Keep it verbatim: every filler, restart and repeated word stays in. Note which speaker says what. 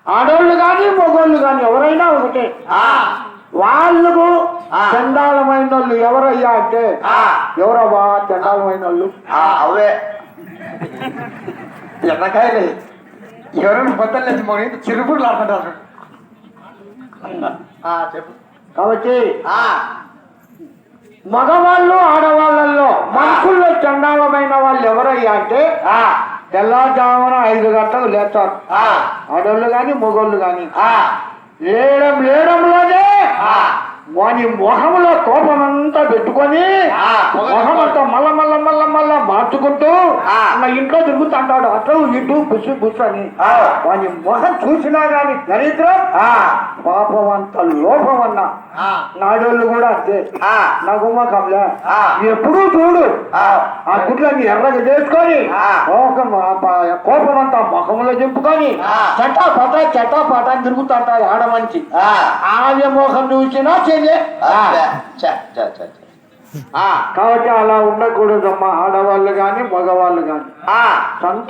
Speaker 1: ఆడోళ్ళు కానీ మగోళ్ళు కానీ ఎవరైనా ఒకటే. వాళ్ళకు చండాలమైన వాళ్ళు ఎవరయ్యా అంటే ఎవరవ్వా చండాలమైన వాళ్ళు?
Speaker 2: అవే ఎన్నకాయలే ఎవరైనా బద్దలు లేదు మొగ చిరుపుడులు ఆడుతుంటారు. చెప్పు.
Speaker 1: కాబట్టి మగవాళ్ళు ఆడవాళ్ళల్లో మనుషుల్లో చండాలమైన వాళ్ళు ఎవరయ్యా అంటే తెల్లవారుజామున ఐదు గంటలకు లేస్తారు ఆడోళ్ళు కానీ మగోళ్ళు కానీ. లేయడం లేయడంలోనే వాని మొహంలో కోపం అంతా పెట్టుకొని మొహం అంతా మల్ల మల్ల మల్ల మల్ల మార్చుకుంటూ నా ఇంట్లో తిరుగుతుంటాడు అటు ఇటు బుస్సు బుస్సు అని. వాని మొహం చూసినా గాని దరిద్రం పాపం అంత లోపం అన్నా. నాడోళ్ళు కూడా అంతే. నా గుమ్మకంలే ఎప్పుడూ చూడు ఆ గుడ్లన్నీ ఎర్రగా చేసుకొని కోపం అంతా ముఖంలో చెప్పుకొని చట్టా పట చట్టా పట తిరుగుతుంటాడు ఆడ మంచి. ఆమె మోహం చూసినా చెయ్యే. కాబట్టి అలా ఉండకూడదమ్మా ఆడవాళ్ళు కానీ మగవాళ్ళు కానీ.